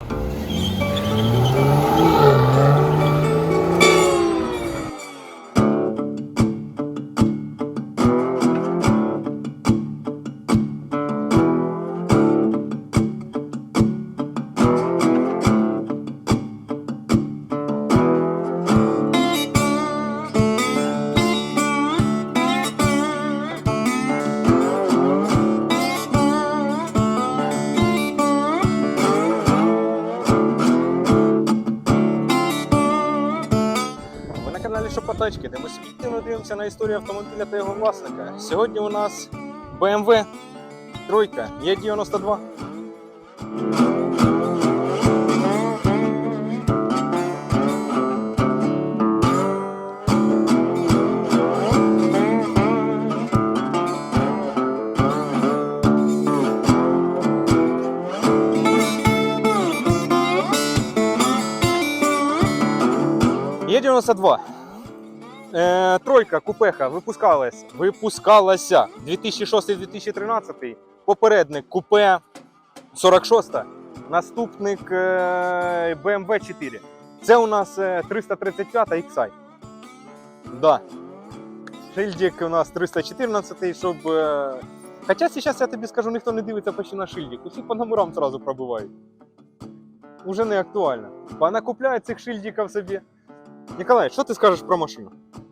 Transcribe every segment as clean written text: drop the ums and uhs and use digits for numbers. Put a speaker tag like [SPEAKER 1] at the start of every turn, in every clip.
[SPEAKER 1] Шопотачки, де ми суб'єктивно дивимося на історію автомобіля та його власника. Сьогодні у нас BMW 3 Е92. Е92. Тройка купеха випускалася 2006-2013, попередник купе 46, наступник BMW 4. Це у нас 335 XI. Да. Шильдик у нас 314, щоб... Хоча зараз я тобі скажу, ніхто не дивиться почти на шильдик, усі по номерам одразу пробивають. Уже не актуально. Понакупляють цих шильдиків собі. Николай, что ты скажешь про машину?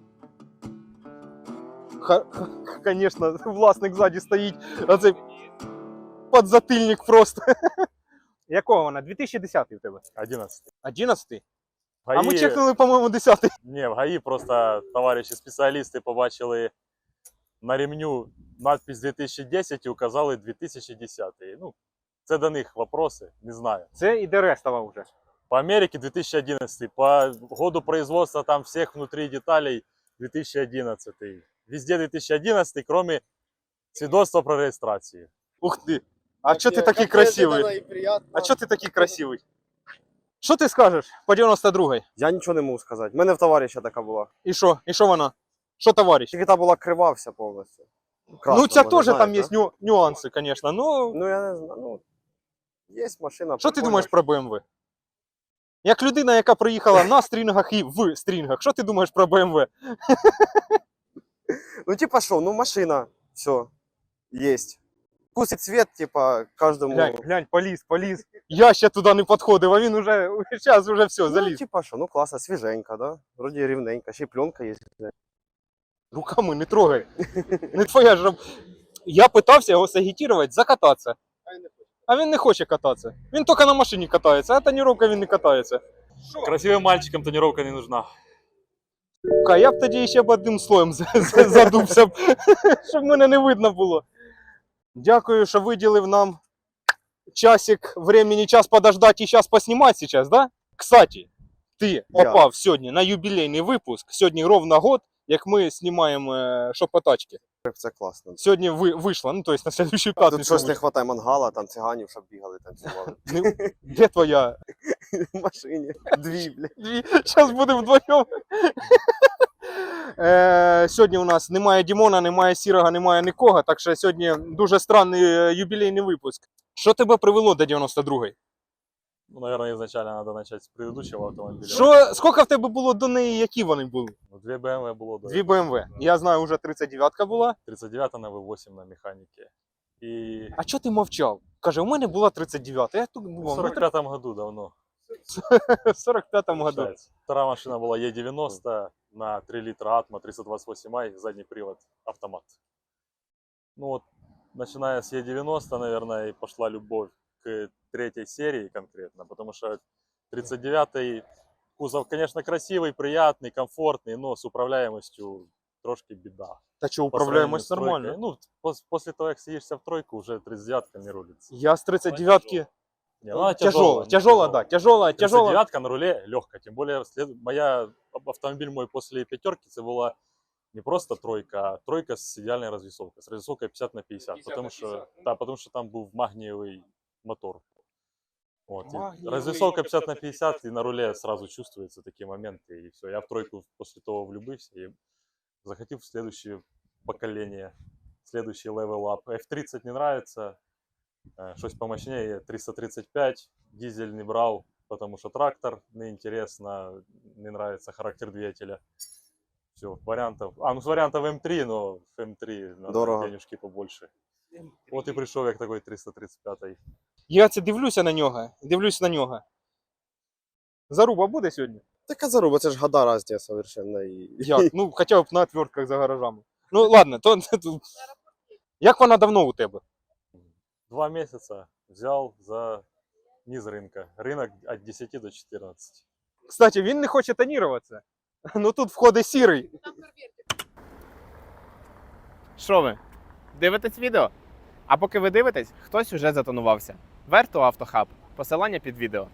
[SPEAKER 1] Конечно, власник сзади стоит, а це подзатыльник просто. Якого вона? 2010 у тебе?
[SPEAKER 2] 11.
[SPEAKER 1] 11?
[SPEAKER 2] ГАИ...
[SPEAKER 1] А ми чекнули, по-моєму, 10.
[SPEAKER 2] Не, в ГАИ просто товариші спеціалісти побачили на ремню надпись 2010 і указали 2010. Ну, це до них вопроси, не знаю.
[SPEAKER 1] Це і Дерестова вже.
[SPEAKER 2] По Америке 2011, по году производства там всех внутри деталей 2011. Везде 2011, кроме свидетельства про регистрацию.
[SPEAKER 1] Ух ты! А что ты такой красивый? А что ты такой красивый? Що ти скажеш по 92-й?
[SPEAKER 3] Я нічого не можу сказати. У мене в товариша така була.
[SPEAKER 1] І що? І що вона? Що товариш?
[SPEAKER 3] Тільки та була крива вся повністю. Красна,
[SPEAKER 1] Ну, це
[SPEAKER 3] може,
[SPEAKER 1] теж
[SPEAKER 3] знаєш,
[SPEAKER 1] там
[SPEAKER 3] да?
[SPEAKER 1] є нюанси, звісно.
[SPEAKER 3] Ну, я не знаю. Ну, є машина.
[SPEAKER 1] Що ти
[SPEAKER 3] прикольна.
[SPEAKER 1] думаєш про BMW? Як людина, яка приїхала на стрінгах і в стрінгах, що ти думаєш про BMW?
[SPEAKER 3] Ну, типа що, ну машина, все, есть. Вкус і цвет, типа, кожному.
[SPEAKER 1] Глянь, поліз. Я ще туди не підходив, а він уже, зараз уже все,
[SPEAKER 3] Ну,
[SPEAKER 1] заліз.
[SPEAKER 3] типа що, ну класно, свіженька, да? Вроді рівненька, ще й пленка є.
[SPEAKER 1] Руками не трогай. Не твоя ж. Я питався його сагітувати, закататися. А він не хоче кататися. Він тільки на машині катається, а тоніровка він не катається.
[SPEAKER 2] Красивым мальчикам тонировка не нужна.
[SPEAKER 1] Я б тоді ще б одним слоєм задувся, щоб мене не видно було. Дякую, що виділив нам часик времени, час подождать и сейчас поснимать сейчас, да? Кстати, ты попав сьогодні на юбілейний випуск. Сьогодні ровно год, як ми знімаємо шопотачки.
[SPEAKER 3] Це класно.
[SPEAKER 1] Сьогодні вийшло, ну, то есть на следующую
[SPEAKER 3] Тут
[SPEAKER 1] п'ятницю.
[SPEAKER 3] щось не вистачає мангала, там циганів, щоб бігали, танцювали.
[SPEAKER 1] Де твоя?
[SPEAKER 3] В машині. Дві, блядь.
[SPEAKER 1] Зараз будемо вдвоєм. Сьогодні у нас немає Дімона, немає Сірого, немає нікого, так що сьогодні дуже странний юбілейний випуск. Що тебе привело до 92-ї?
[SPEAKER 2] Ну, наверное, изначально надо начать с предыдущего автомобиля.
[SPEAKER 1] Скільки в тебе було до неї, які вони були?
[SPEAKER 2] Ну, 2 BMW было до
[SPEAKER 1] Дві BMW. Я знаю, вже 39-ка була.
[SPEAKER 2] 39 на V8 на механике. И
[SPEAKER 1] А чого ти мовчав? Каже, у мене була 39-та, я тут
[SPEAKER 2] в
[SPEAKER 1] був.
[SPEAKER 2] 45 году давно.
[SPEAKER 1] В 45-му году.
[SPEAKER 2] Считается. Вторая машина была Е90 на 3 литра Atmo 328i, задний привод, автомат. Ну вот, начиная с Е90, наверное, и пошла любовь к третьей серии конкретно, потому что 39-й кузов, конечно, красивый, приятный, комфортный, но с управляемостью трошки беда.
[SPEAKER 1] Та що,
[SPEAKER 2] По сравнению
[SPEAKER 1] управляємось
[SPEAKER 2] с тройкой.
[SPEAKER 1] нормально.
[SPEAKER 2] Ну, после того, как садишься в тройку, уже 39-ка не рулится.
[SPEAKER 1] Я з 39-ки.
[SPEAKER 2] Не, ну, она
[SPEAKER 1] Тяжелая, да, тяжелая.
[SPEAKER 2] 39-ка на руле легкая, тем более автомобиль мой после пятерки, это была не просто тройка, а тройка с идеальной развесовкой, с развесовкой 50/50, потому что там был магниевый мотор. Вот, развесовка 50/50, и на руле сразу чувствуются такие моменты, и все. Я в тройку после того влюбился и захотел в следующее поколение, следующий level up. F30 не нравится, Щось помощнее, 335, дизель не брал, потому что трактор неинтересно, не нравится характер двигателя. Все, вариантов. Ну с вариантов М3, но М3 надо
[SPEAKER 3] Дорого.
[SPEAKER 2] денежки побольше. От і прийшов як такой 335.
[SPEAKER 1] Я це дивлюся на нього. Заруба буде сьогодні?
[SPEAKER 3] Така заруба, це ж года різні совершенно. І...
[SPEAKER 1] Як? Ну, хоча б на отвертках за гаражами. Ну, ладно, то... Як вона давно у тебе?
[SPEAKER 2] 2 месяца взял за низ рынка. Рынок от 10 до 14.
[SPEAKER 1] Кстати, він не хоче тоніруватися. Ну тут входить сірий.
[SPEAKER 4] Що ви? Дивитесь відео? А поки ви дивитесь, хтось уже затонувався. Верту Автохаб. Посилання під відео.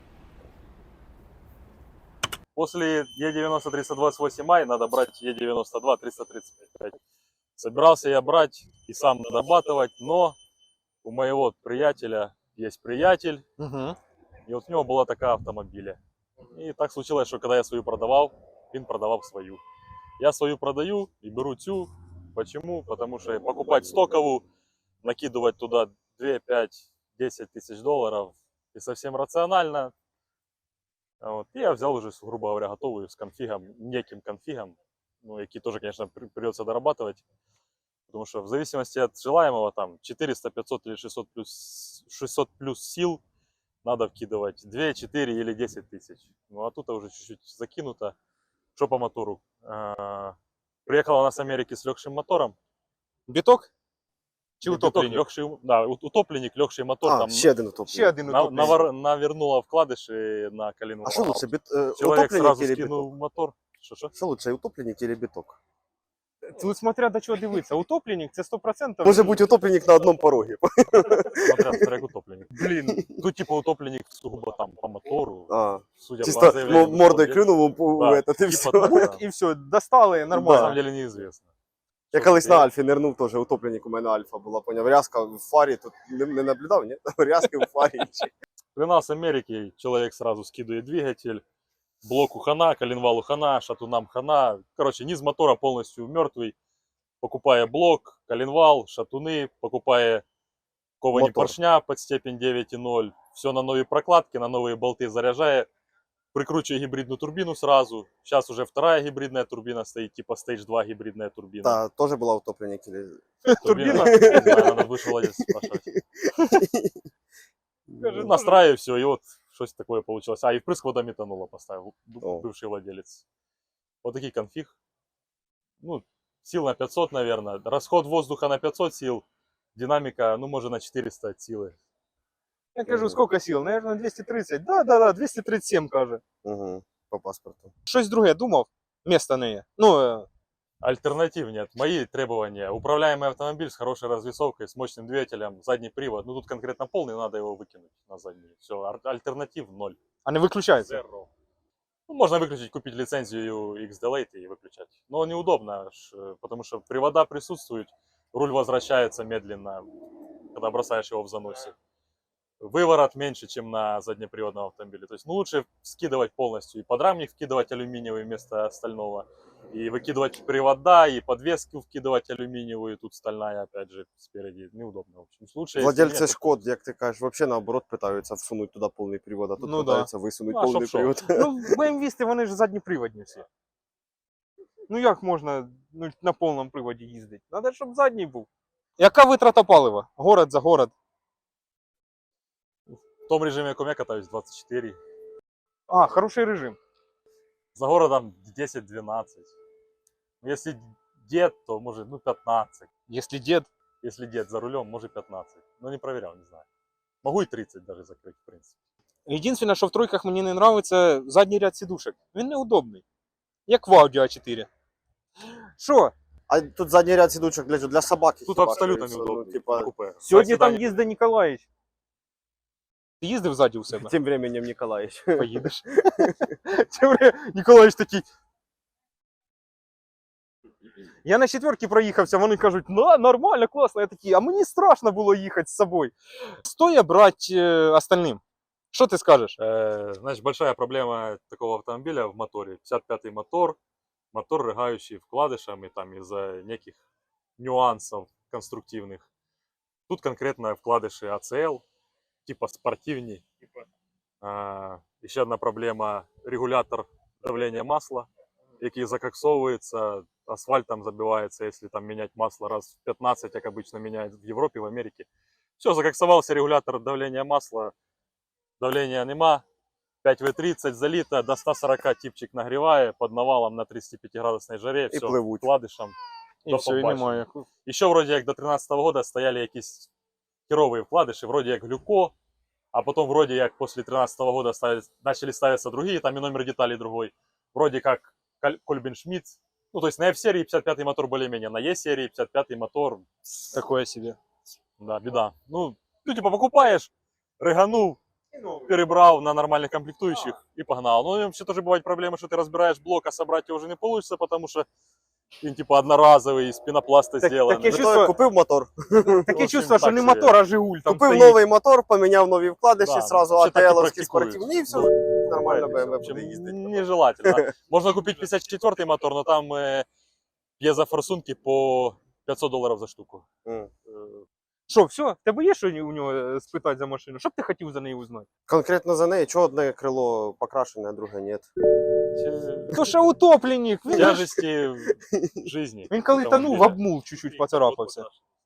[SPEAKER 2] После Е90 328i надо брать Е92 335. Собирался я брать и сам дорабатывать, но у моего приятеля есть приятель,
[SPEAKER 1] Угу.
[SPEAKER 2] и вот у него была такая автомобиля. И так случилось, что когда я свою продавал, он продавал свою. Я свою продаю и беру тю. Почему? Потому что покупать стоковую, накидывать туда 2, 5, 10 тысяч долларов и совсем рационально. Вот. И я взял уже, грубо говоря, готовую с конфигом, неким конфигом, ну, який тоже, конечно, придется дорабатывать. Потому что в зависимости от желаемого, там, 400, 500 или 600 плюс сил надо вкидывать 2, 4 или 10 тысяч. Ну, а тут уже чуть-чуть закинуто. Что по мотору? Приехала она с Америки с легшим мотором.
[SPEAKER 1] Біток? Чи
[SPEAKER 2] Не биток,
[SPEAKER 1] утопленник?
[SPEAKER 2] легший, да, утопленник, легший мотор.
[SPEAKER 3] А,
[SPEAKER 2] там
[SPEAKER 3] ще один утопленник.
[SPEAKER 1] Ще один утопленник.
[SPEAKER 2] навернула вкладыши на коленвал.
[SPEAKER 3] А що лучше,
[SPEAKER 2] Человек
[SPEAKER 3] утопленник
[SPEAKER 2] сразу
[SPEAKER 3] или
[SPEAKER 2] скинул
[SPEAKER 3] биток?
[SPEAKER 2] мотор. Что?
[SPEAKER 3] Що лучше, утопленник или биток?
[SPEAKER 1] Тут смотря до чого дивитися. Утопленник це 100%.
[SPEAKER 3] Може бути утопленник на одному порогі.
[SPEAKER 2] Смотря как утопленник.
[SPEAKER 1] Блін.
[SPEAKER 2] Тут типа утопленник сугубо там по мотору.
[SPEAKER 3] А,
[SPEAKER 2] Судя
[SPEAKER 3] чисто
[SPEAKER 2] по заявлению
[SPEAKER 3] мордой
[SPEAKER 2] владельца.
[SPEAKER 3] клюнув у
[SPEAKER 2] Да,
[SPEAKER 3] этот, і все.
[SPEAKER 2] типа того, да.
[SPEAKER 1] І все, достали
[SPEAKER 2] На
[SPEAKER 1] нормально.
[SPEAKER 2] самом деле неизвестно.
[SPEAKER 3] Я колись на Альфі нирнув теж, утопленник у мене Альфа була, поняв, рязка в фарі, тут не наблюдав, ні? Рязки в фарі.
[SPEAKER 2] При нас в Америке человек сразу скидывает двигатель, блоку хана, коленвалу хана, шатунам хана. Короче, низ мотора полностью мертвый. Покупая блок, коленвал, шатуны, покупая ковані
[SPEAKER 3] Мотор.
[SPEAKER 2] поршня под степень 9,0. Все на новые прокладки, на новые болты заряжая. Прикручивая гибридную турбину сразу. Сейчас уже вторая гибридная турбина стоит, типа Stage 2 гибридная турбина.
[SPEAKER 3] Та, теж була утопленник. Или...
[SPEAKER 1] Турбина?
[SPEAKER 2] Не знаю, надо выше владельца спрашивать.
[SPEAKER 1] Скажи,
[SPEAKER 2] Настраиваю все, и вот что-то такое получилось. И впрыск водометанола поставил,
[SPEAKER 3] О.
[SPEAKER 2] бывший владелец. Вот такой конфиг. Ну, сил на 500, наверное. Расход воздуха на 500 сил. Динамика, ну, может, на 400 от силы.
[SPEAKER 1] Я кажу, скільки сил? Наверное, 230. Да, 237, каже.
[SPEAKER 3] Угу, по паспорту.
[SPEAKER 1] Щось друге думав? Место не є. Ну,
[SPEAKER 2] Альтернатив нет. Мои требования. Управляемый автомобиль с хорошей развесовкой, с мощным двигателем, задний привод. Ну, тут конкретно полный, надо его выкинуть на задний. Все, альтернатив 0.
[SPEAKER 1] а не виключається.
[SPEAKER 2] Zero. Ну, можно выключить, купить лицензию X-Delete и выключать. Но неудобно, потому что привода присутствуют, руль возвращается медленно, когда бросаешь его в заносе. Выворот меньше, чем на заднеприводном автомобиле. То есть ну, лучше скидывать полностью и подрамник вкидывать алюминиевый вместо стального, и выкидывать привода, и подвеску вкидывать алюминиевую, и тут стальная опять же спереди. Неудобно, в общем. Лучше, если
[SPEAKER 3] Владельці
[SPEAKER 2] нет,
[SPEAKER 3] Шкод, як ти кажеш, взагалі наоборот питаються всунути туди повний привод, а тут
[SPEAKER 1] Ну, да.
[SPEAKER 3] питаються висунути
[SPEAKER 2] Ну, а
[SPEAKER 3] повний
[SPEAKER 2] щоб
[SPEAKER 3] привод.
[SPEAKER 1] Ну, BMW вони ж задніприводні всі. Ну як можна на повному приводі їздити? Надо, щоб задній був. Яка витрата палива? Город за город.
[SPEAKER 2] в том режиме, в яком я катаюсь, 24.
[SPEAKER 1] А, хороший режим.
[SPEAKER 2] За городом 10-12. Если дед, то может ну 15.
[SPEAKER 1] Якщо дід.
[SPEAKER 2] Если дед за рулем, может 15. Но не проверял, не знаю. Могу и 30 даже закрыть, в принципе.
[SPEAKER 1] Єдине, що в тройках мені не подобається задній ряд сідушок. Він неудобний. Як в Audi A4. Що?
[SPEAKER 3] А тут задній ряд сідучок для собаки.
[SPEAKER 2] Тут
[SPEAKER 3] хіба
[SPEAKER 2] абсолютно
[SPEAKER 3] що,
[SPEAKER 2] неудобно.
[SPEAKER 3] Ну, типа,
[SPEAKER 2] Купе.
[SPEAKER 1] Сьогодні
[SPEAKER 2] Сюда
[SPEAKER 1] там їздить Ніколаїч. Ти їздив ззаді у себе?
[SPEAKER 3] тим временем Ніколаїч.
[SPEAKER 1] Поїдеш. Ніколаїч такий. Я на четверці проїхався, вони кажуть, ну, нормально, класно. Я такий, а мені страшно було їхати з собою. Стоя брати остальним. Що ти скажеш?
[SPEAKER 2] Значит, большая проблема такого автомобиля в моторе. 55-й мотор, мотор рыгающий вкладышами там из-за неких нюансов конструктивных. Тут конкретно вкладыши ACL, типа спортивней. Еще одна проблема – регулятор давления масла, який закоксовывается, асфальтом забивается, если там менять масло раз в 15, как обычно меняют в Европе, в Америке. Все, закоксовался регулятор давления масла, давления нема, 5В30 залито, до 140 типчик нагревает, под навалом на 35-градусной жаре,
[SPEAKER 3] І
[SPEAKER 2] все,
[SPEAKER 3] пливуть.
[SPEAKER 2] вкладышем.
[SPEAKER 1] І
[SPEAKER 2] До
[SPEAKER 1] все, і
[SPEAKER 2] побачення.
[SPEAKER 1] немає.
[SPEAKER 2] Еще вроде как до 13 года стояли якісь херовые вкладыши, вроде как глюко, а потом вроде как после 13 года начали ставиться другие, там и номер деталей другой. Вроде как Кольбин-Шмидт. Ну, то есть на F-серии 55-й мотор более-менее, на E-серии 55-й мотор,
[SPEAKER 1] Такое себе.
[SPEAKER 2] да, беда. Ну, ты типа покупаешь, рыганул, перебрал на нормальных комплектующих и погнал. Ну, вообще тоже бывают проблемы, что ты разбираешь блок, а собрать его уже не получится, потому что він типа одноразовий, из пенопласта
[SPEAKER 1] Так-
[SPEAKER 2] сделанный.
[SPEAKER 1] таке
[SPEAKER 3] Зато
[SPEAKER 1] чувство-
[SPEAKER 3] купив мотор.
[SPEAKER 1] Таке
[SPEAKER 2] общем,
[SPEAKER 1] чувство, що
[SPEAKER 2] так
[SPEAKER 1] не
[SPEAKER 2] собі.
[SPEAKER 1] мотор, а Жигуль там
[SPEAKER 3] Купив
[SPEAKER 1] стоїть.
[SPEAKER 3] новий мотор, поміняв нові вкладиші,
[SPEAKER 2] Да,
[SPEAKER 3] сразу
[SPEAKER 2] все так і
[SPEAKER 3] АТЛовський
[SPEAKER 2] практикують.
[SPEAKER 3] спортивний, і все, нормально BMW буде їздити.
[SPEAKER 2] Нежелательно. Можно купить 54-й мотор, но там пьезофорсунки по $500 за штуку.
[SPEAKER 3] М.
[SPEAKER 1] Що, все? В тебе є що у нього спитати за машину? Що б ти хотів за неї узнати?
[SPEAKER 3] Конкретно за неї, чого одне крило покрашене, а друге ні.
[SPEAKER 1] То що утопленник. Він,
[SPEAKER 2] Тяжести жизни.
[SPEAKER 1] він коли тонув, в обмул чуть-чуть поцарапався.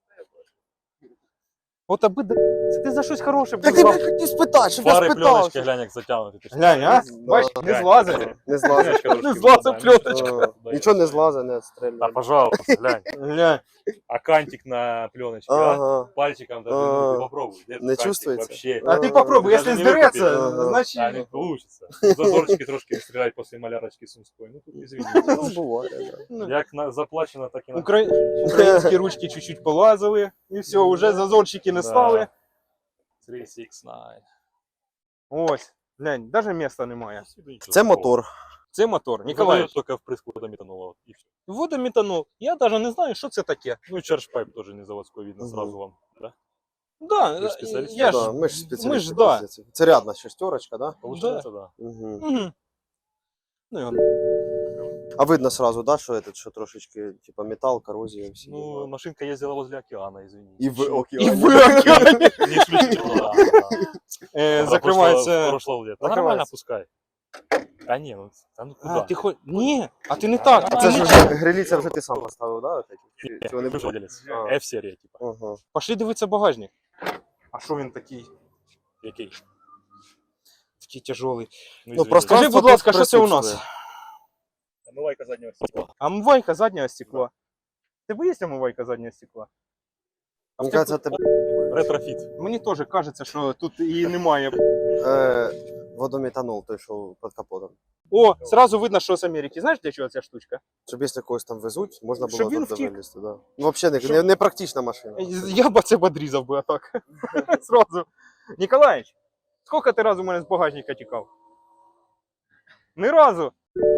[SPEAKER 1] От аби це ти за щось хороше
[SPEAKER 3] Так ти
[SPEAKER 1] брав.
[SPEAKER 3] мене хотів спитати, щоб я
[SPEAKER 2] Фары,
[SPEAKER 3] спитав.
[SPEAKER 2] пленочки, глянь, як затягнуті. Ти ж
[SPEAKER 1] Глянь, а?
[SPEAKER 3] Да.
[SPEAKER 1] Бач, не
[SPEAKER 2] Глянь.
[SPEAKER 1] злазить.
[SPEAKER 3] Не злазить.
[SPEAKER 2] Пленочка
[SPEAKER 1] Не
[SPEAKER 2] трошки
[SPEAKER 1] злазить
[SPEAKER 2] випадає.
[SPEAKER 1] пленочка.
[SPEAKER 3] Нічого не злазить, не
[SPEAKER 2] Да,
[SPEAKER 3] відстрілює.
[SPEAKER 2] пожалуйста, глянь.
[SPEAKER 1] Глянь.
[SPEAKER 2] А кантик на пленочке, а?
[SPEAKER 3] Ага.
[SPEAKER 2] Пальчиком даже
[SPEAKER 3] А.
[SPEAKER 2] ну, ты попробуй. Где
[SPEAKER 3] Не
[SPEAKER 2] этот кантик
[SPEAKER 3] чувствуется?
[SPEAKER 2] Вообще.
[SPEAKER 1] А ти попробуй,
[SPEAKER 2] Даже
[SPEAKER 1] якщо
[SPEAKER 2] не
[SPEAKER 1] здереться,
[SPEAKER 3] викупиш.
[SPEAKER 2] Да, не
[SPEAKER 1] значить...
[SPEAKER 2] получится. Зазорчики трошки стрелять после малярочки Сумской. Ну, тут извините.
[SPEAKER 3] Ну, буває, да.
[SPEAKER 2] Як заплачено, так і на...
[SPEAKER 1] Українські ручки чуть-чуть полазили, і все, вже зазорчики не
[SPEAKER 2] Да.
[SPEAKER 1] стали.
[SPEAKER 2] 369.
[SPEAKER 1] Ось, глянь, навіть міста немає.
[SPEAKER 3] Це мотор.
[SPEAKER 1] Це мотор.
[SPEAKER 2] Николай
[SPEAKER 1] Ніколаєвич,
[SPEAKER 2] только впрыску водометанула. И все.
[SPEAKER 1] водометанол. Я навіть не знаю, що це таке.
[SPEAKER 2] Ну и чарджпайп тоже не заводской видно
[SPEAKER 3] Мгм.
[SPEAKER 2] сразу вам. Да?
[SPEAKER 1] Да,
[SPEAKER 2] Ви ж спеціаліст?
[SPEAKER 1] я
[SPEAKER 3] Да,
[SPEAKER 1] ж...
[SPEAKER 3] ми ж спеціалісти.
[SPEAKER 1] ми ж, да.
[SPEAKER 3] по цій. Це рядна шестерочка, да?
[SPEAKER 2] Получается, да.
[SPEAKER 3] Угу.
[SPEAKER 1] Мгм. Ну, і он.
[SPEAKER 3] А видно сразу, да, що этот, що трошечки, типа металл, коррозія, всі.
[SPEAKER 2] Ну, машинка ездила возле океана, извини.
[SPEAKER 3] І в
[SPEAKER 1] І
[SPEAKER 3] океані.
[SPEAKER 1] в океані.
[SPEAKER 2] Не исключительно, да.
[SPEAKER 1] Закривається.
[SPEAKER 2] Прошлого лета.
[SPEAKER 3] Закривається.
[SPEAKER 2] Нормально пускай. А не, ну, ну
[SPEAKER 1] А,
[SPEAKER 2] куда?
[SPEAKER 1] ти хоч... Ні, а ти не так.
[SPEAKER 3] А
[SPEAKER 1] ти
[SPEAKER 3] це
[SPEAKER 1] не
[SPEAKER 3] ж
[SPEAKER 1] так.
[SPEAKER 3] вже гриліця вже ти сам поставив, да? от эти? Чи вони
[SPEAKER 2] Ты владелец.
[SPEAKER 3] А.
[SPEAKER 2] F-серия, типа.
[SPEAKER 3] Ага.
[SPEAKER 1] Пошли дивитися багажник. А що він такий?
[SPEAKER 2] Який?
[SPEAKER 1] Такий тяжелий.
[SPEAKER 3] Ну,
[SPEAKER 2] извини.
[SPEAKER 3] просто-
[SPEAKER 1] Скажи, будь ласка, що це у нас?
[SPEAKER 3] присутствує.
[SPEAKER 2] Омивайка заднего стекла.
[SPEAKER 1] Омивайка заднього стекла. В тебе є омивайка заднього стекла? А в
[SPEAKER 3] Мені
[SPEAKER 1] тебе-
[SPEAKER 3] кажется, тебе
[SPEAKER 2] Ретрофит.
[SPEAKER 1] Мені теж кажеться, що тут її немає.
[SPEAKER 3] водометанол, той, що під капотом.
[SPEAKER 1] О, сразу видно, що з Америки. Знаєш, для чого ця штучка?
[SPEAKER 3] Щоб якщо когось там везуть, можна було
[SPEAKER 1] Щоб він
[SPEAKER 3] тут
[SPEAKER 1] втік.
[SPEAKER 3] вилізти, да. Ну, взагалі,
[SPEAKER 1] Щоб-
[SPEAKER 3] не практична машина.
[SPEAKER 1] Я б це б одрізав би отак. Сразу. Ніколаїч, скільки ти разу у мене з багажника тікав? Ні разу.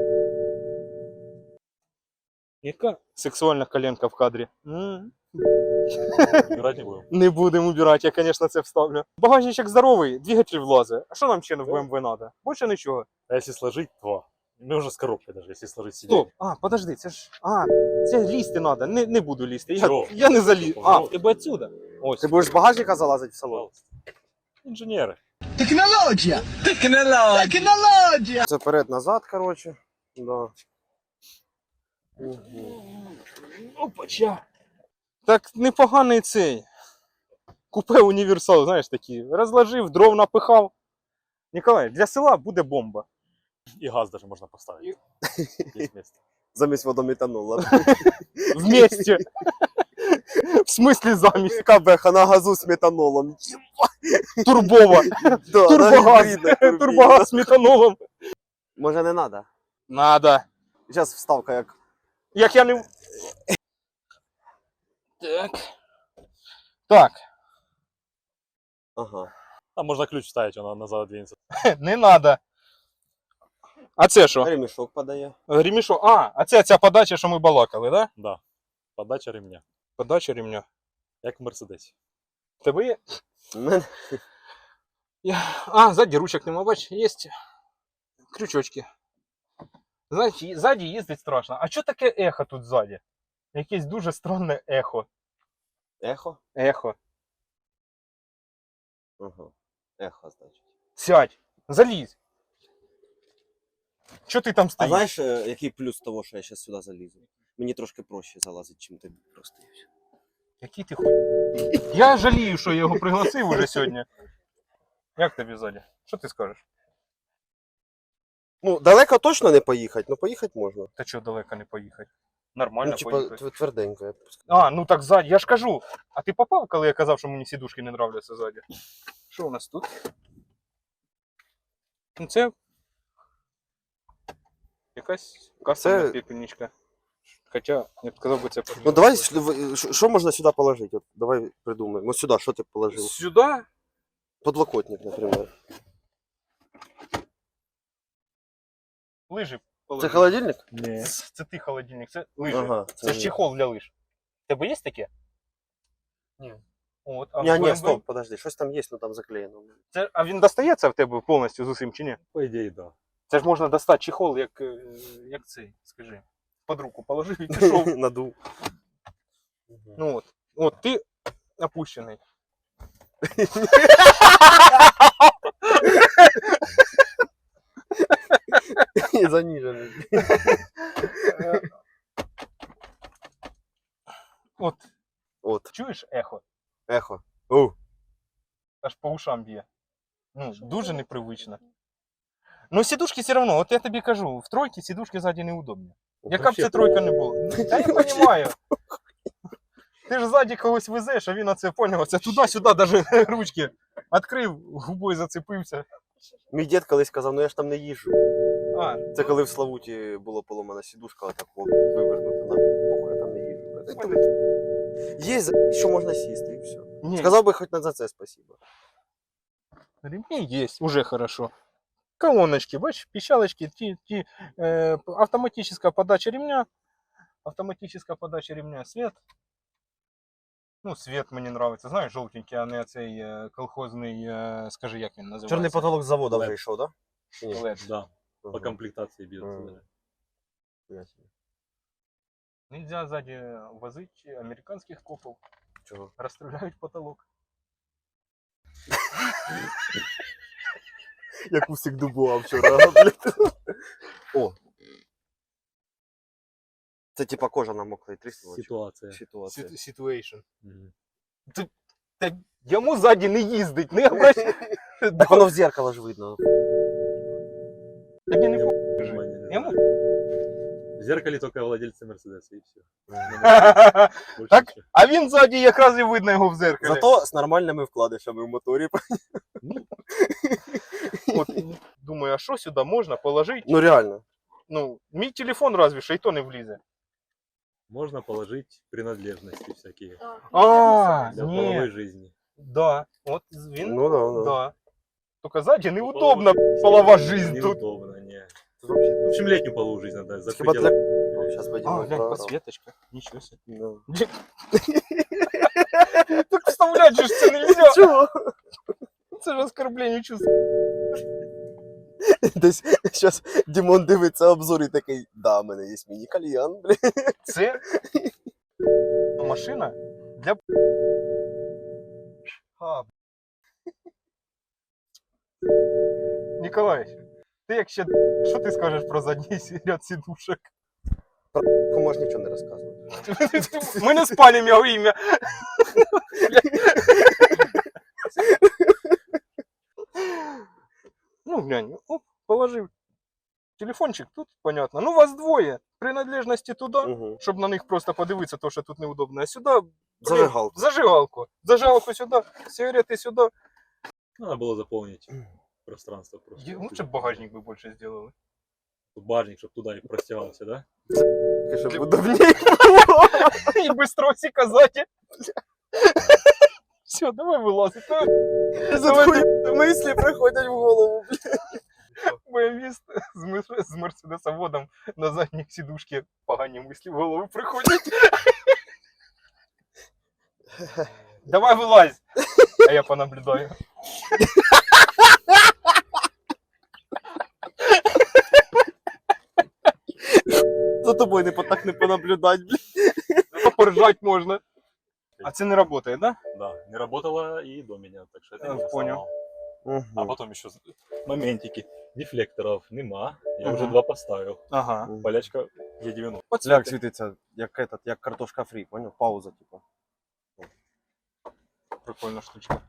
[SPEAKER 1] Яка сексуальна коленка в кадрі?
[SPEAKER 2] Убирать не будем.
[SPEAKER 1] Не будемо убирати, я, звісно, це вставлю. Багажничок здоровий, двигатель влазить. А що нам ще в BMW треба? Більше нічого.
[SPEAKER 2] А если сложить, то... Ну, уже с коробкой даже, если сложить сиденье.
[SPEAKER 1] Стоп. А, подожди, це ж. А, це лізти треба. Не буду лізти.
[SPEAKER 2] Чого?
[SPEAKER 1] Я не заліз. А,
[SPEAKER 2] Пожалуйста.
[SPEAKER 1] в тебе отсюда. Ось.
[SPEAKER 3] Ти будеш з багажника залазити в салон?
[SPEAKER 2] Пожалуйста. Инженеры.
[SPEAKER 5] Технологія! Технологія!
[SPEAKER 3] Це вперед-назад, коротше. Да. Угу.
[SPEAKER 1] Опача. Так непоганий цей. Купе універсал, знаєш, такі. Розложив, дров напихав. Ніколай, для села буде бомба.
[SPEAKER 2] И газ даже можно поставить. Есть место.
[SPEAKER 3] Замість водометанола.
[SPEAKER 1] Вместе. В смислі замість.
[SPEAKER 3] Яка беха на газу з метанолом.
[SPEAKER 1] Турбова.
[SPEAKER 3] Да,
[SPEAKER 1] Турбогаз.
[SPEAKER 3] гібридна турбіна.
[SPEAKER 1] Турбогаз з метанолом.
[SPEAKER 3] Може не треба?
[SPEAKER 1] Надо.
[SPEAKER 3] Зараз вставка як.
[SPEAKER 1] Як я не... Так. Так.
[SPEAKER 3] Ага.
[SPEAKER 2] Там можно ключ вставить, он назад двинется.
[SPEAKER 1] Не надо. А це що?
[SPEAKER 3] Ремішок подає.
[SPEAKER 1] Ремішок. А це ця подача, що ми балакали, да?
[SPEAKER 2] Да. Подача ремня.
[SPEAKER 1] Подача ремня.
[SPEAKER 2] Як в Мерседесі.
[SPEAKER 1] Тебе є?
[SPEAKER 3] У мене
[SPEAKER 1] А, ззаді ручок нема, бач, є крючочки. Знаєш, ззаді їздить страшно. А що таке ехо тут ззаді? Якесь дуже странне ехо.
[SPEAKER 3] ехо.
[SPEAKER 1] Ехо.
[SPEAKER 3] Ага. Ехо, значить.
[SPEAKER 1] Сядь, залізь. Що ти там
[SPEAKER 3] А
[SPEAKER 1] стоїш?
[SPEAKER 3] знаєш, який плюс того, що я зараз сюди залізу? Мені трошки проще залазить, чим тобі просто. і все.
[SPEAKER 1] Який ти хуй? Я жалію, що я його пригласив уже сьогодні. Як тобі ззаді? Що ти скажеш?
[SPEAKER 3] Ну, далеко точно не поїхати, але поїхати можна.
[SPEAKER 1] Та чого далеко не поїхати? Нормально
[SPEAKER 3] Ну,
[SPEAKER 1] поїхати.
[SPEAKER 3] типа, тверденько, я б сказав.
[SPEAKER 1] А, ну так ззаді, я ж кажу. А ти попав, коли я казав, що мені сідушки не нравляться ззаді? Що у нас тут? Ну це якась кастомна
[SPEAKER 3] Це-
[SPEAKER 1] пепельничка. Хоча, я б сказав би, це
[SPEAKER 3] Ну давай, що можна сюди положити? От, давай придумаємо. Ось сюди, що ти положив?
[SPEAKER 1] Сюди?
[SPEAKER 3] Подлокотник, наприклад.
[SPEAKER 1] Лижі
[SPEAKER 3] Це
[SPEAKER 1] положи.
[SPEAKER 3] холодильник?
[SPEAKER 2] Не.
[SPEAKER 1] Це ти холодильник, це лижі.
[SPEAKER 3] Ага.
[SPEAKER 1] Це ж чехол для лиж. У тебе є таке? Ні. От, а в
[SPEAKER 3] Ні,
[SPEAKER 1] BMW?
[SPEAKER 3] стоп, подожди, щось там є, ну там заклеєно.
[SPEAKER 1] Це, а він достається в тебе повністю з усім чи ні?
[SPEAKER 2] По идее, да.
[SPEAKER 1] Це ж можна достати чехол, як цей, скажи. Під руку положив і пішов.
[SPEAKER 3] Надув.
[SPEAKER 1] Ну от. От ти опущений.
[SPEAKER 3] І заніжений.
[SPEAKER 1] От,
[SPEAKER 3] От,
[SPEAKER 1] чуєш ехо?
[SPEAKER 3] ехо. Оу.
[SPEAKER 1] Аж по ушам б'є. Ну, дуже непривично. Ну, сідушки все одно, от я тобі кажу, в тройці сідушки ззаді неудобні. Яка б це тройка не була. Та я розумію. Ти ж ззаді когось везеш, а він оце поняв, це туди-сюди, навіть ручки відкрив, губою зацепився.
[SPEAKER 3] Мій дід колись казав, ну я ж там не їжджу.
[SPEAKER 1] А,
[SPEAKER 3] Це коли в Славуті була поломана сідушка, а так вивернута на похуй, я там не їжджу. Є, що можна сісти і все.
[SPEAKER 1] ні,
[SPEAKER 3] Сказав би хоч за це спасибо.
[SPEAKER 1] ремни есть, уже хорошо. Колоночки, бачишь, пищалочки, автоматическая подача ремня, свет. Ну, свет мені нравится, знаєш, жовтенький, а не цей колхозний, скажи, як він називається?
[SPEAKER 3] Чорний потолок з заводу
[SPEAKER 2] LED.
[SPEAKER 3] вже йшов, так? Да?
[SPEAKER 1] LED.
[SPEAKER 2] Да. По комплектации без.
[SPEAKER 3] Мгм.
[SPEAKER 1] Нельзя сзади возить американских копов,
[SPEAKER 3] Чого?
[SPEAKER 1] розстріляють потолок.
[SPEAKER 3] Як усик дубуа вчора, блядь. О. Це типа кожа намокла і тріснула. чи?
[SPEAKER 2] Ситуация.
[SPEAKER 3] Ситуація.
[SPEAKER 1] Situation.
[SPEAKER 2] Мгм.
[SPEAKER 1] Та йому ззаді не їздить, не обращай.
[SPEAKER 3] Так воно в зеркало ж видно.
[SPEAKER 1] Тобі не
[SPEAKER 2] Внимание, да.
[SPEAKER 1] Йому?
[SPEAKER 2] В зеркале только владельцы Мерседеса и все.
[SPEAKER 1] Так? А він ззаді якраз і видно його в зеркалі.
[SPEAKER 3] Зато з нормальними вкладишами в моторі.
[SPEAKER 1] От, думаю, а що сюди можна положити?
[SPEAKER 3] Ну реально.
[SPEAKER 1] Ну, мій телефон разве що, і то не влізе.
[SPEAKER 2] Можно положить принадлежности всякие
[SPEAKER 1] А,
[SPEAKER 2] для
[SPEAKER 1] ні,
[SPEAKER 2] половой жизни.
[SPEAKER 1] да, от він,
[SPEAKER 3] Ну да, да.
[SPEAKER 1] да. Тільки ззаді неудобно, полова жизнь тут.
[SPEAKER 2] Неудобно, не.
[SPEAKER 3] Тут вообще
[SPEAKER 2] В общем, летнюю половую жизнь надо за
[SPEAKER 3] хіба для...
[SPEAKER 2] пределы.
[SPEAKER 3] Сейчас
[SPEAKER 1] А,
[SPEAKER 3] пойдем.
[SPEAKER 1] глянь, подсветочка, нічого себе.
[SPEAKER 3] Да.
[SPEAKER 1] Так вставлять же ж це нельзя.
[SPEAKER 3] Чого?
[SPEAKER 1] Це ж оскорблення чувств.
[SPEAKER 3] Десь зараз Дімон дивиться обзор і такий, да, в мене є міні-кальян, блядь.
[SPEAKER 1] Це машина для... А, Ніколаєвич, ти як ще... Що ти скажеш про задній ряд сідушок?
[SPEAKER 3] Ти можеш нічого не розказувати.
[SPEAKER 1] Ми не спалимо його ім'я. Ну, глянь, оп, положив. Телефончик тут, понятно. Ну, вас двоє. Принадлежності туди,
[SPEAKER 3] Угу.
[SPEAKER 1] щоб на них просто подивитися, то, що тут неудобно. А сюди,
[SPEAKER 3] Зажигалку.
[SPEAKER 1] зажигалку. Зажигалку сюди, сигарети сюди.
[SPEAKER 2] Надо было заполнить пространство просто.
[SPEAKER 1] Лучше б багажник би більше зробили.
[SPEAKER 2] Тут Багажник, чтобы туда и простирался, да?
[SPEAKER 3] Щоб удобніше.
[SPEAKER 1] І быстро всі казати. Все, давай вилазить.
[SPEAKER 3] Мислі приходять в голову.
[SPEAKER 1] БМВіст з мерседесоводом на задній сідушці погані мислі в голову приходять. Давай вилазь, а я понаблюдаю.
[SPEAKER 3] За тобою так не понаблюдать, блядь.
[SPEAKER 1] Поржать можна. А це не працює, да?
[SPEAKER 2] Да, не работало и до меня, так что это
[SPEAKER 1] А,
[SPEAKER 2] не
[SPEAKER 1] понял.
[SPEAKER 2] сломал. А
[SPEAKER 3] Мгм.
[SPEAKER 2] потом еще моментики. Дефлекторов нема. Я уже
[SPEAKER 1] Мгм.
[SPEAKER 2] 2 поставил.
[SPEAKER 1] Ага.
[SPEAKER 2] Болячка Е90.
[SPEAKER 3] Ляг світиться, як картошка фрі, понял? Пауза, типа.
[SPEAKER 1] Прикольна штучка.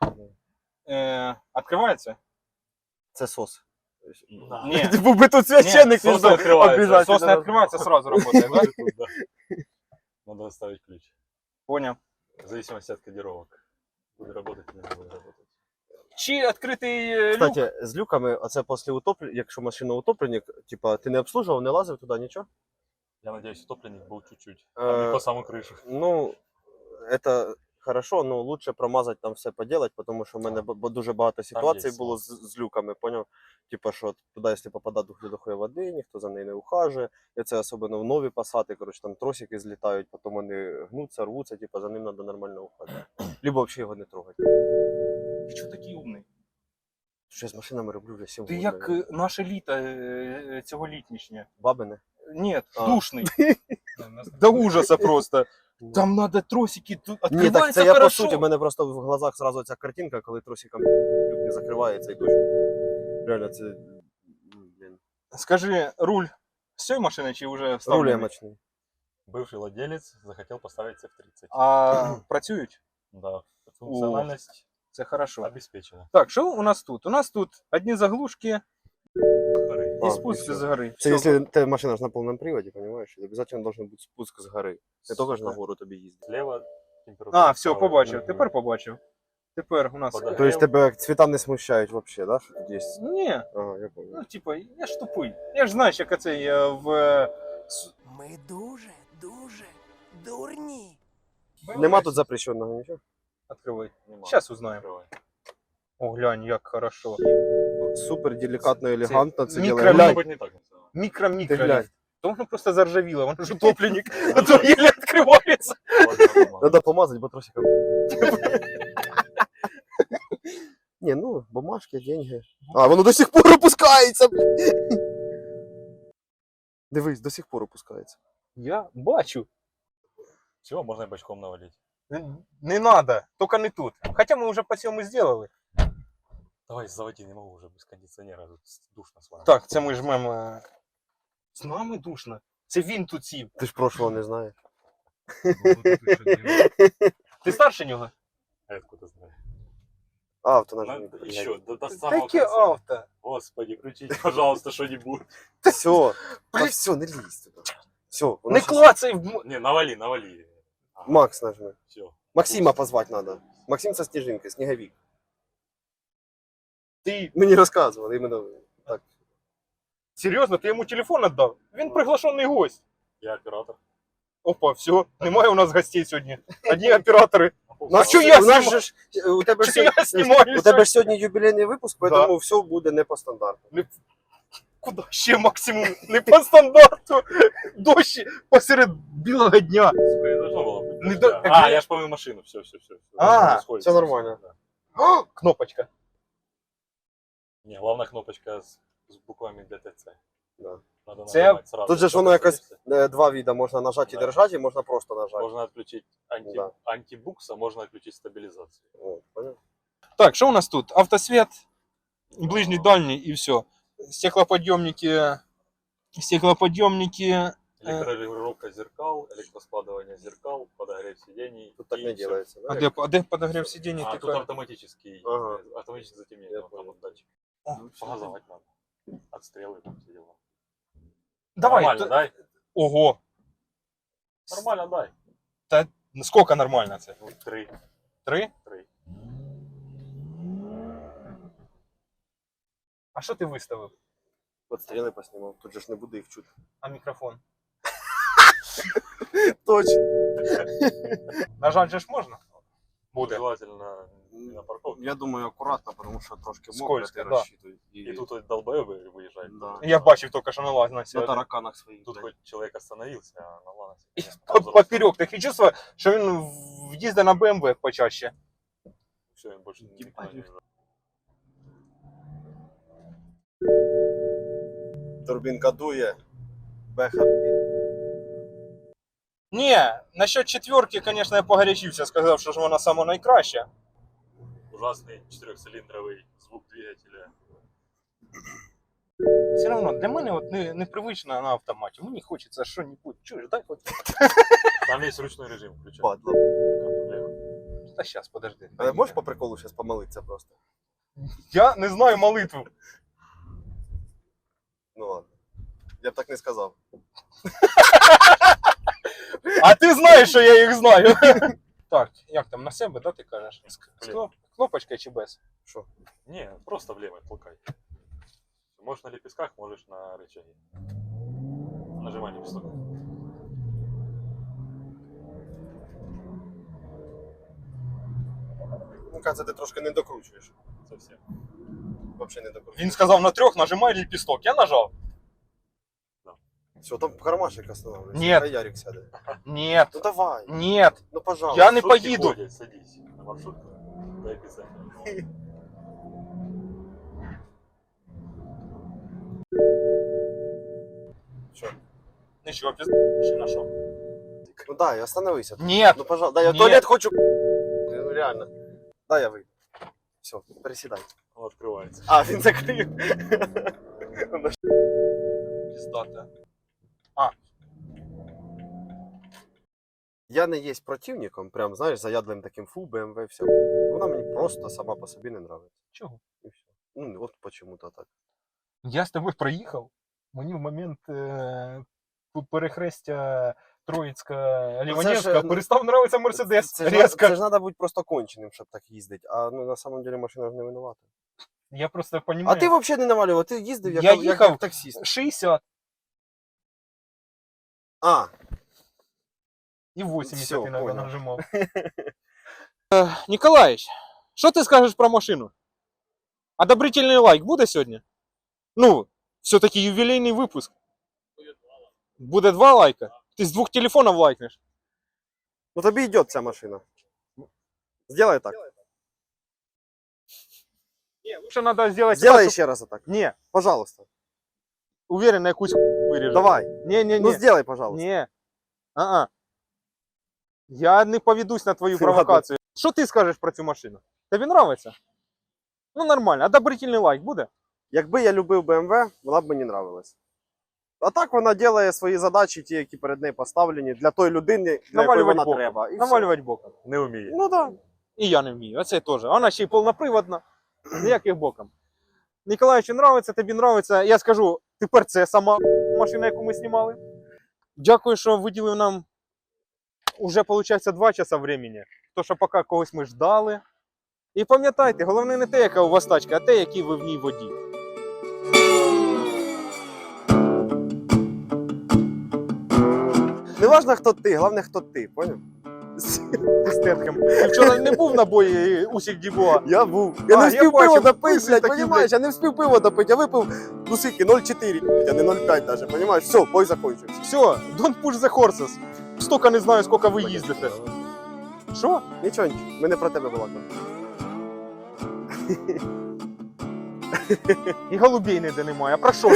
[SPEAKER 1] Откривається?
[SPEAKER 3] Це сос.
[SPEAKER 1] Ні.
[SPEAKER 3] Був би тут священник,
[SPEAKER 2] Ні,
[SPEAKER 3] він
[SPEAKER 2] сос відкривається.
[SPEAKER 3] обіжать.
[SPEAKER 1] Сос не відкривається, сразу работает, да?
[SPEAKER 2] Да. Надо оставить ключ.
[SPEAKER 1] Понял.
[SPEAKER 2] В зависимости от кодировок. Будет работать или не будет работать.
[SPEAKER 1] Чи відкритий люк?
[SPEAKER 3] Кстати, з люками, оце після утоплення, якщо машина утопленник, типа, ти не обслужував, не лазив туди, нічого?
[SPEAKER 2] Я надеюсь, утопленник был чуть-чуть.
[SPEAKER 3] Э,
[SPEAKER 2] А не по самую крышу.
[SPEAKER 3] Ну, це хорошо, но лучше промазати там все поделать, тому що в мене дуже багато ситуацій
[SPEAKER 2] є
[SPEAKER 3] було з люками, поняв? Типа, що туди, якщо попадає до хуя води, ніхто за нею не ухажує. І це особливо в нові пасати, коротше, там тросики злітають, потім вони гнуться, рвуться, типа, за ним треба нормально ухажувати. Либо взагалі його не трогати.
[SPEAKER 1] Ти чого такий умний?
[SPEAKER 3] Що я з машинами роблю вже 7
[SPEAKER 1] Ти
[SPEAKER 3] років.
[SPEAKER 1] як наше літо цьогорічнішнє.
[SPEAKER 3] Бабине.
[SPEAKER 1] Нет,
[SPEAKER 3] А.
[SPEAKER 1] душний. До ужаса просто. Там надо тросики, тут
[SPEAKER 3] Ні, так
[SPEAKER 1] відкривається
[SPEAKER 3] це я по
[SPEAKER 1] хорошо.
[SPEAKER 3] суті, в мене просто в глазах зразу ця картинка, коли тросиком люк не закривається і дощ. Реально, це. Блін.
[SPEAKER 1] Скажи, руль з цієї машини чи вже
[SPEAKER 3] Руль
[SPEAKER 1] вставлений?
[SPEAKER 3] ямочний.
[SPEAKER 2] Бывший владелец захотел поставить F30.
[SPEAKER 1] А працюють?
[SPEAKER 2] Да, функциональность
[SPEAKER 1] Це хорошо.
[SPEAKER 2] обеспечена.
[SPEAKER 1] Так, що у нас тут? У нас тут одні заглушки
[SPEAKER 3] А,
[SPEAKER 1] і спуск
[SPEAKER 3] і
[SPEAKER 1] з
[SPEAKER 3] все.
[SPEAKER 1] гори.
[SPEAKER 3] Це
[SPEAKER 1] Все.
[SPEAKER 3] якщо ти машина ж на повному приводі, розумієш, обов'язково должен бути спуск з гори. Не тільки ж на гору тобі їздити.
[SPEAKER 2] Слева температура.
[SPEAKER 1] А, все,
[SPEAKER 2] справа.
[SPEAKER 1] побачив.
[SPEAKER 3] Мгм.
[SPEAKER 1] Тепер побачив. Тепер у нас.
[SPEAKER 2] Подогрів.
[SPEAKER 3] Тобто тебе цвіта не смущають взагалі, да? Що тут є?
[SPEAKER 1] Ні,
[SPEAKER 3] Ага, я понял.
[SPEAKER 1] ну типа, я ж тупий. Я ж знаю, як це в.
[SPEAKER 5] Ми дуже дурні.
[SPEAKER 3] Нема тут запрещеного нічого?
[SPEAKER 1] Открывай.
[SPEAKER 2] Нема.
[SPEAKER 1] Сейчас узнаем.
[SPEAKER 2] Открывай.
[SPEAKER 1] О, глянь, як хорошо.
[SPEAKER 3] Супер делікатно, елегантно це
[SPEAKER 1] мікро-
[SPEAKER 3] ділає.
[SPEAKER 2] Может
[SPEAKER 3] Глянь,
[SPEAKER 2] быть, не так.
[SPEAKER 3] ти
[SPEAKER 1] Мікро-мікро.
[SPEAKER 3] глянь.
[SPEAKER 1] То воно просто заржавіло, воно ж утопленник, а то еле відкривається.
[SPEAKER 3] Надо помазати, бо тросиком. Не, ну, бумажки, деньги. А, воно до сих пор опускається, блін. Дивись, до сих пор опускається.
[SPEAKER 1] Я бачу.
[SPEAKER 2] Все, можно и бочком навалить.
[SPEAKER 1] Не надо, тільки не тут. Хоча ми вже по цьому зробили.
[SPEAKER 2] Давай, заводи, не могу уже без кондиционера, тут душно с вами.
[SPEAKER 1] Так, це ми жмемо. З нами душно. Це він тут сів.
[SPEAKER 3] Ти ж прошлого не знаєш.
[SPEAKER 1] Ти старше нього?
[SPEAKER 2] А я откуда знаю?
[SPEAKER 3] Авто нажми.
[SPEAKER 2] Еще, до самого
[SPEAKER 1] Таке
[SPEAKER 2] конца.
[SPEAKER 1] авто.
[SPEAKER 2] Господи, включите, пожалуйста, что-нибудь.
[SPEAKER 3] Все,
[SPEAKER 1] Блін.
[SPEAKER 3] все, не лізь туди. Все,
[SPEAKER 1] Не клацай в...
[SPEAKER 2] Не, навали, навали. Ага,
[SPEAKER 3] Макс нажми.
[SPEAKER 2] все.
[SPEAKER 3] Максима позвать надо. Максим со Снежинкой, Снеговик.
[SPEAKER 1] Ти
[SPEAKER 3] Мені розказували, іменно так.
[SPEAKER 1] серйозно, ти йому телефон віддав? Він приглашений гость.
[SPEAKER 2] Я оператор.
[SPEAKER 1] Опа, все, немає у нас гостей сьогодні. Одні оператори.
[SPEAKER 3] Нас,
[SPEAKER 1] що я
[SPEAKER 3] у нас
[SPEAKER 1] знімаю?
[SPEAKER 3] же ж, у тебе ж
[SPEAKER 1] Що я
[SPEAKER 3] сьогодні-
[SPEAKER 1] знімаю
[SPEAKER 3] у тебе ж сьогодні юбілейний випуск,
[SPEAKER 1] Да.
[SPEAKER 3] тому все буде не по стандарту.
[SPEAKER 1] Куда ще максимум? Не по стандарту. Дощі посеред білого дня.
[SPEAKER 2] Сука, не должно было быть.
[SPEAKER 1] Не
[SPEAKER 2] дождя.
[SPEAKER 1] до-
[SPEAKER 2] А, я ж помню машину, все.
[SPEAKER 1] А,
[SPEAKER 3] всё нормально.
[SPEAKER 1] О, кнопочка.
[SPEAKER 2] Не, главная кнопочка с буквами ДТЦ.
[SPEAKER 3] Да.
[SPEAKER 2] Надо
[SPEAKER 1] Це-
[SPEAKER 2] нажимать сразу.
[SPEAKER 3] Тут же ж
[SPEAKER 2] Только
[SPEAKER 3] воно якось
[SPEAKER 2] садишься.
[SPEAKER 3] два вида, можна нажати і
[SPEAKER 2] Да.
[SPEAKER 3] держати, і можна просто нажати.
[SPEAKER 2] Можно отключить
[SPEAKER 3] Да.
[SPEAKER 2] антибукс, а можно отключить стабилизацию.
[SPEAKER 3] От, понял?
[SPEAKER 1] Так, що у нас тут? Автосвет, ближній, дальній і все. Стеклоподйомники.
[SPEAKER 2] Электрорегулировка зеркал, электроскладывание зеркал, подогрев сидений.
[SPEAKER 3] Тут так
[SPEAKER 2] и
[SPEAKER 3] не
[SPEAKER 2] всё.
[SPEAKER 3] делается.
[SPEAKER 1] А
[SPEAKER 3] Да?
[SPEAKER 1] де подогрев сидіння?
[SPEAKER 2] А,
[SPEAKER 1] Ти
[SPEAKER 2] тут
[SPEAKER 1] кажеш?
[SPEAKER 2] автоматический,
[SPEAKER 3] Ага.
[SPEAKER 2] автоматическое затемнение.
[SPEAKER 3] Я
[SPEAKER 2] Вот там
[SPEAKER 3] понял.
[SPEAKER 2] вот датчик.
[SPEAKER 1] О,
[SPEAKER 2] Погазовать надо. Отстрелы там все дела.
[SPEAKER 1] Давай,
[SPEAKER 2] Нормально,
[SPEAKER 1] то-
[SPEAKER 2] дай.
[SPEAKER 1] Ого.
[SPEAKER 2] Нормально, дай.
[SPEAKER 1] Скільки нормально це?
[SPEAKER 2] Ну, 3.
[SPEAKER 1] 3?
[SPEAKER 2] 3.
[SPEAKER 1] А що ти виставив?
[SPEAKER 3] От стріли поснімав, тут же ж не буде їх чути.
[SPEAKER 1] А мікрофон?
[SPEAKER 3] Точно.
[SPEAKER 1] Нажать же ж можна? Буде.
[SPEAKER 2] Желательно не на парковке.
[SPEAKER 3] Я думаю, акуратно, тому що трошки мокро,
[SPEAKER 1] Скользко,
[SPEAKER 3] ти
[SPEAKER 1] да.
[SPEAKER 3] розчитуй.
[SPEAKER 2] И тут вот долбоебы выезжают.
[SPEAKER 3] Да.
[SPEAKER 1] Я бачив тільки, що налазь на
[SPEAKER 3] На
[SPEAKER 1] себе.
[SPEAKER 3] тараканах своїх.
[SPEAKER 2] Тут
[SPEAKER 3] блядь.
[SPEAKER 2] хоть человек остановился, а на ланосе.
[SPEAKER 1] Поперек. Таке чувство, що він в'їздить на БМВ почаще.
[SPEAKER 2] Все, он больше никто не уезжает.
[SPEAKER 3] Турбінка дує. Беха.
[SPEAKER 1] Ні, насчет четверки, звісно, я погорячився, сказав, що ж вона сама найкраща.
[SPEAKER 2] Ужасный 4-цилиндровый звук двигателя.
[SPEAKER 1] Все одно для мене от непривично на автоматі. Мені хочеться що-небудь. Чуєш, дай хоч.
[SPEAKER 2] Там есть ручной режим, включай.
[SPEAKER 3] Падла.
[SPEAKER 1] Та щас, подожди.
[SPEAKER 3] Але можеш по приколу зараз помолитися просто?
[SPEAKER 1] Я не знаю молитву.
[SPEAKER 3] Ну ладно. Я б так не сказав.
[SPEAKER 1] А ти знаєш, що я їх знаю. Так, як там, на себе, да, ти кажеш? Кнопочка чи без?
[SPEAKER 3] Що?
[SPEAKER 2] Не, просто влево толкай. Можешь на лепестках, можешь на рычаге. Нажимай лепесток.
[SPEAKER 3] Ну, кажется, ти трошки не докручуєш.
[SPEAKER 2] Совсем.
[SPEAKER 3] Взагалі не докручуєш.
[SPEAKER 1] Він сказав на 3, нажимай ліпісток. Я нажав.
[SPEAKER 3] Все, там кармашек останавливается.
[SPEAKER 1] Нет.
[SPEAKER 3] Хай Ярик сяде.
[SPEAKER 1] Нет,
[SPEAKER 3] Ну давай.
[SPEAKER 1] нет.
[SPEAKER 3] Ну пожалуйста.
[SPEAKER 1] Я не
[SPEAKER 2] Маршрутки
[SPEAKER 1] поїду.
[SPEAKER 2] ходят, садись на маршрутку. Дай писать.
[SPEAKER 3] Що?
[SPEAKER 1] Нічого, пізна, що?
[SPEAKER 3] Ну дай, остановися.
[SPEAKER 1] Нет.
[SPEAKER 3] Ну пожалуйста. Да, я в
[SPEAKER 1] Нет.
[SPEAKER 3] туалет хочу. Ну реально. Дай я выйду. Все, пересідай.
[SPEAKER 2] Он открывается.
[SPEAKER 3] А, він закрив.
[SPEAKER 1] Піздата.
[SPEAKER 3] Я не є противником, прям, знаєш, заядлим таким фу, BMW, все. Вона мені просто сама по собі не нравиться.
[SPEAKER 1] Чого?
[SPEAKER 3] І все. Ну, от почему-то так.
[SPEAKER 1] Я з тобою проїхав. Мені в момент перехрестя Троїцька Ліванівська
[SPEAKER 3] ж,
[SPEAKER 1] перестав нравитися Мерседес.
[SPEAKER 3] Це
[SPEAKER 1] Резко.
[SPEAKER 3] ж треба бути просто конченим, щоб так їздити. А ну, на самом деле машина ж не винувата.
[SPEAKER 1] Я просто
[SPEAKER 3] А
[SPEAKER 1] розумію.
[SPEAKER 3] ти взагалі не навалював, ти їздив як,
[SPEAKER 1] Я
[SPEAKER 3] як
[SPEAKER 1] їхав.
[SPEAKER 3] таксіст.
[SPEAKER 1] 60
[SPEAKER 3] А,
[SPEAKER 1] і 80
[SPEAKER 3] Всё,
[SPEAKER 1] іноді
[SPEAKER 3] понял.
[SPEAKER 1] нажимав. Ніколаїч, що ти скажеш про машину? Одобрительний лайк буде сьогодні? Ну, все-таки ювілейний випуск. Буде 2 лайка? Ти з 2 телефонів лайкнеш?
[SPEAKER 3] ну тобі йде ця машина. Сделай так.
[SPEAKER 1] Лучше надо сделать
[SPEAKER 3] Сделай
[SPEAKER 1] так,
[SPEAKER 3] ще раз так.
[SPEAKER 1] Не,
[SPEAKER 3] Пожалуйста.
[SPEAKER 1] уверен, на якусь виріжу.
[SPEAKER 3] Давай.
[SPEAKER 1] Не.
[SPEAKER 3] Ну сделай, пожалуйста.
[SPEAKER 1] Ні. Я не поведусь на твою
[SPEAKER 3] Ладно.
[SPEAKER 1] провокацію. Що ти скажеш про цю машину? Тобі нравиться? Ну нормально. Одобрительний лайк буде?
[SPEAKER 3] Якби я любив BMW, вона б мені нравилась. А так вона робить свої задачі, ті, які перед нею поставлені, для тої людини, для якої
[SPEAKER 1] Навалювати
[SPEAKER 3] вона
[SPEAKER 1] боком.
[SPEAKER 3] треба. І все.
[SPEAKER 1] Навалювати боком.
[SPEAKER 2] Не умеет.
[SPEAKER 3] Ну так. Да.
[SPEAKER 1] І я не вмію. Оце теж. Вона ще й повноприводна. Ніяких боком. Ніколаєвичу нравиться, тобі нравиться. Я скажу, тепер це сама машина, яку ми знімали. Дякую, що виділив нам уже, виходить, 2 часа времени. То, що поки когось ми ждали. І пам'ятайте, головне не те, яка у вас тачка, а те, який ви в ній водій.
[SPEAKER 3] Не важно, хто ти, головне, хто ти, поняв?
[SPEAKER 1] Ти Стетхем. Ти вчора не був на бої Усік Дібуа?
[SPEAKER 3] Я був. Я не
[SPEAKER 1] я
[SPEAKER 3] встиг
[SPEAKER 1] бачив,
[SPEAKER 3] пиво допити,
[SPEAKER 1] писи
[SPEAKER 3] блядь,
[SPEAKER 1] такі,
[SPEAKER 3] понімаєш? Я не встиг пиво допити, я випив, ну скільки, 0,4, а не 0,5 даже, понімаєш? Все, бой закончився.
[SPEAKER 1] Все, don't push the horses. Стільки не знаю, скільки ви їздите. Що?
[SPEAKER 3] Нічого, ми не про тебе балакали.
[SPEAKER 1] І голубей ніде немає. А про що ви?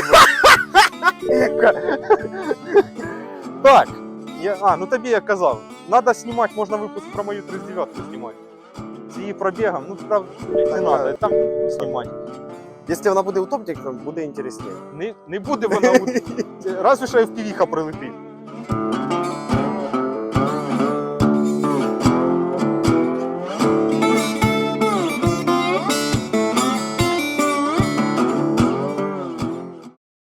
[SPEAKER 1] Так. Ну тобі я казав. Надо знімати, можна випуск про мою 39-ку знімати. З її пробігом, ну правда, не треба, там знімати.
[SPEAKER 3] Якщо вона буде утопником, буде інтересніше.
[SPEAKER 1] Не буде вона, разве що FPV-ха прилетить.